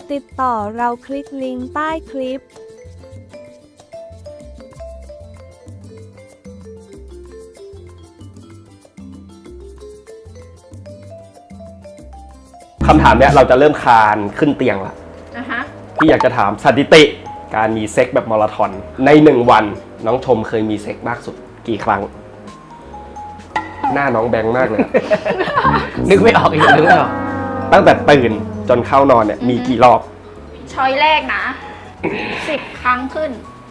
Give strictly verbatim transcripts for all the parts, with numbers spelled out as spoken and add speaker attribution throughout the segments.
Speaker 1: ติดต่อเราคลิกลิงก์ใต้คลิป
Speaker 2: คำถามเนี้ยเราจะเริ่มคานขึ้นเตียงละ
Speaker 3: อ่ะฮะ
Speaker 2: พี่อยากจะถามสถิติการมีเซ็กแบบมาราธอนในหนึ่งวันน้องชมเคยมีเซ็กมากสุดกี่ครั้ง หน้าน้องแบงค์มากเลย
Speaker 4: นึกไม่ออกอีกนึกไม่ออก
Speaker 2: ตั้งแต่ตื่นจนเข้านอนเนี่ยมีกี่รอบ
Speaker 3: ช้อยแรกนะสิบครั้งขึ้น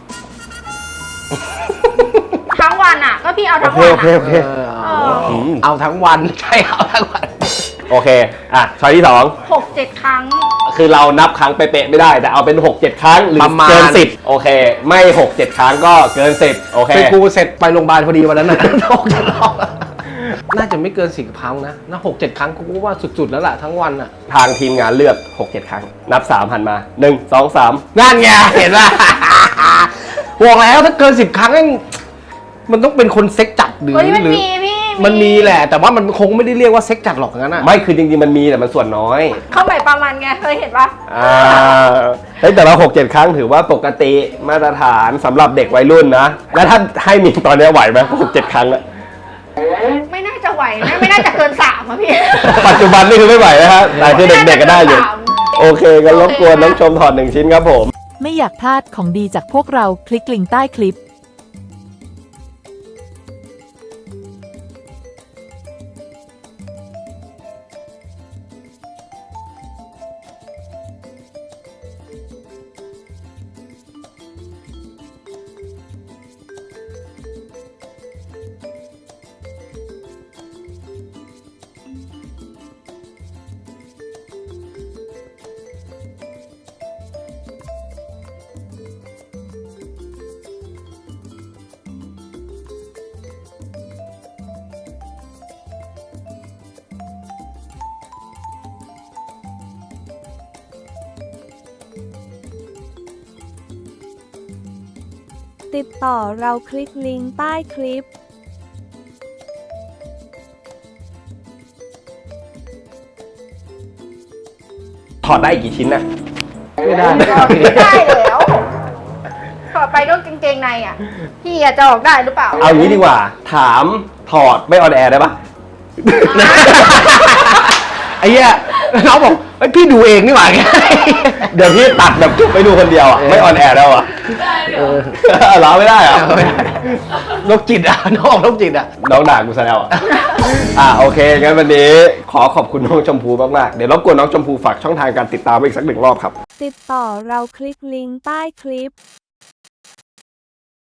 Speaker 3: ทั้งวันอ่ะ ก็พี่เอา
Speaker 2: โอ
Speaker 3: ทั้ง
Speaker 2: เค
Speaker 3: วัน
Speaker 2: โอเค
Speaker 3: อ่ะ
Speaker 2: โอเค
Speaker 4: เออ
Speaker 3: เออ
Speaker 4: เอาทั้งวันใช่เอาทั้งวัน
Speaker 2: โอเคอ่ะช้อยที่สอง
Speaker 3: หกเจ็ดครั้ง
Speaker 2: คือเรานับครั้งเป๊ะๆไม่ได้แต่เอาเป็นหกเจ็ดครั้งหรือ
Speaker 4: ประมาณ
Speaker 2: เกินสิบโอเค ไม่หกเจ็ดครั้งก็เกินสิบโอเค
Speaker 4: เป็นกูเสร็จไปโรงพยาบาลพอดีวันนั้นนะ หกเจ็ดรอบน่าจะไม่เกินสี่ครั้งนะน่าหกเจ็ดครั้งกูว่าสุดๆแล้วล่ะทั้งวันอ่ะ
Speaker 2: ทางทีมงานเลือกหกเจ็ดครั้งนับสามหันมาหนึ่ง สอง สาม
Speaker 4: นั่นไงเห็นป่ะ บอกแล้วถ้าเกินสิบครั้งนั่นมันต้องเป็นคนเซ็กจัดหรือ
Speaker 3: เฮ้ยมัน
Speaker 4: หรือ
Speaker 3: มีพี่
Speaker 4: มันมีแหละ แต่ว่ามันคงไม่ได้เรียกว่าเซ็กจัดหรอกงั้นอ่ะ
Speaker 2: ไม่คือจริงๆมันมีแต่มันส่วนน้อย
Speaker 3: เข้าไปประมาณไงเคยเห็นปะ
Speaker 2: อ่าเฮ้ยแต่เราหกเจ็ดครั้งถือว่าปกติมาตรฐานสำหรับเด็กวัยรุ่นนะ แล้วถ้าให้มีตอนนี้ไหวไหมหกเจ็ดครั้งอะ
Speaker 3: ไม่น่าจะไหวนะไม่น่าจะเกินสามอะพี่
Speaker 2: ปัจจุบันนี่คือไม่ไหวนะฮะแต่คือเด็กๆก็ได้อยู่ โอเคก็รบกวนน้องชมถอดหนึ่งชิ้นครับผม
Speaker 1: ไม่อยากพลาดของดีจากพวกเราคลิกลิงก์ใต้คลิปติดต่อเราคลิกลิงก์ใต้คลิป
Speaker 2: ถอดได้กี่ชิ้นนะ
Speaker 4: ไม่ได้
Speaker 3: ไม่ได้แล้วต่อไปก็กางเกงในอ่ะ พี่อะจะออกได้หรือเปล่า
Speaker 2: เอางี้ดีกว่า ถามถอดไม่ออนแอร์ได้ปะ
Speaker 4: ไอ้เหี้ยน้องบอกไอ้ยพี่ดูเองนี่หว่าแก
Speaker 2: เดี๋ยวพี่ตัดแบบจุ๊บไปดูคนเดียวอ่ะไม่ออนแอร์แล้วอ่ะ
Speaker 4: เออ
Speaker 2: เหรอไม่ได้เหรอ
Speaker 4: ไม่ได้โรคจิตอ่ะน้องโรคจิตอ่ะ
Speaker 2: น้องด่ากูซะแล้วอ่ะ อ่ะโอเคงั้นวันนี้ขอขอบคุณน้องชมพูมากๆเดี๋ยวรบกวนน้องชมพูฝากช่องทางการติดตามอีกสักหนึ่งรอบครับ
Speaker 1: ติดต่อเราคลิกลิงก์ใต้คลิป